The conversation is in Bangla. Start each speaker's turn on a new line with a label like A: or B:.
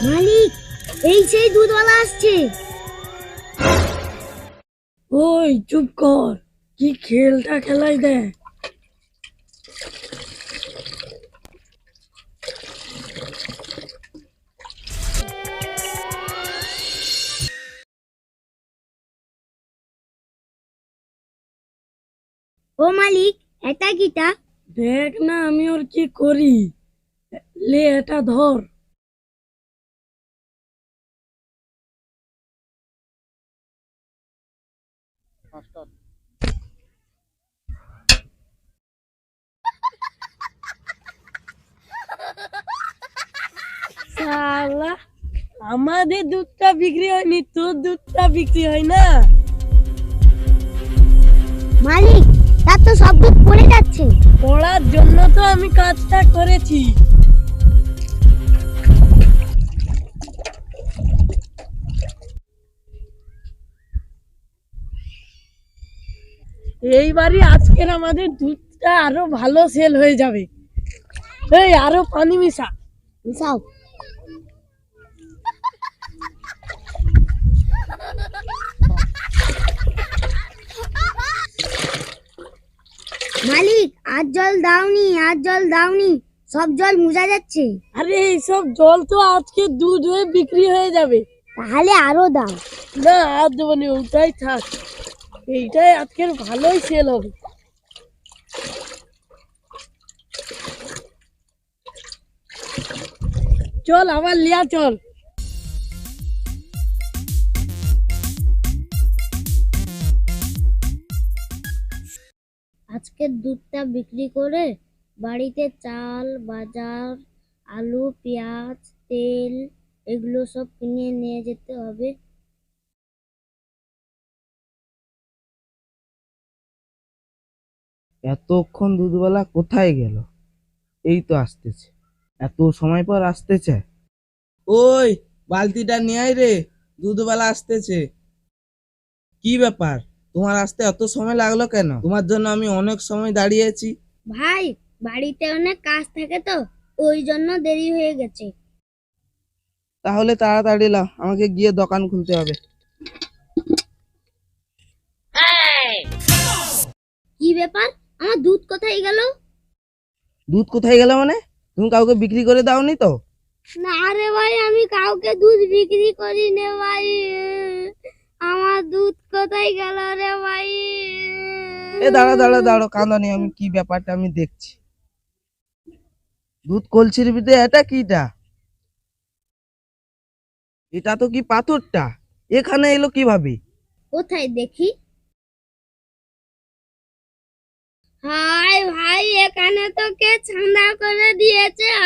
A: মালিক, এই সেই দুধওয়ালা আসছে।
B: ওই চুপ কর, কি খেলটা খেলাই দে।
A: ও মালিক, এটা কিটা?
B: দেখ না আমি ওর কি করি। লে এটা ধর। শালা, আমাদের দুধটা বিক্রি হয়নি, তোর দুধটা বিক্রি হয় না।
A: মালিক, তার তো সব দুধ পড়ে যাচ্ছে।
B: পড়ার জন্য তো আমি কাজটা করেছি। এইবারই আজকের আমাদের দুধটা আরো ভালো সেল হয়ে যাবে। এই আরো পানি মিশা।
A: মিশাও। মালিক, আর জল দাওনি, আর জল দাওনি, সব জল মুজা যাচ্ছে।
B: আরে এইসব জল তো আজকে দুধ হয়ে বিক্রি হয়ে যাবে।
A: তাহলে আরো দাও।
B: না আর দেবো না, ওটাই থাক। এইটাই আজকের ভালোই সেল হবে। চল আবার লিয়া চল।
A: আজকের দুধটা বিক্রি করে বাড়িতে চাল, বাজার, আলু, পেঁয়াজ, তেল এগুলো সব কিনে নিয়ে যেতে হবে।
C: এতক্ষণ দুধওয়ালা কোথায় গেল? এই তো আসতেছে, এত সময় পর আসতেছে। ওই বালতিটা নিয়ে আয় রে, দুধওয়ালা আসতেছে। কি ব্যাপার, তোমার আসতে এত সময় লাগলো কেন? তোমার জন্য আমি অনেক সময় দাঁড়িয়েছি।
A: ভাই, বাড়িতে অনেক কাজ থাকে তো, ওই জন্য দেরি হয়ে গেছে।
C: তাহলে তাড়াতাড়ি লাও, আমাকে গিয়ে দোকান খুলতে হবে।
A: কি ব্যাপার, আমার দুধ কোথায় গেল?
C: দুধ কোথায় গেল মানে? তুমি কাউকে বিক্রি করে দাওনি তো?
A: না রে ভাই, আমি কাউকে দুধ বিক্রি করি নে ভাই। আমার দুধ কোথায় গেল রে ভাই?
C: এ দাঁড়া দাঁড়া দাঁড়ো, কাঁদানি, আমি কি ব্যাপারটা আমি দেখছি। দুধ কলসির ভিতরে এটা কিটা? এটা তো কি পাথরটা এখানে এলো কিভাবে?
A: কোথায় দেখি। হাই ভাই, এখানে তো কে ছান্দা করে দিয়েছে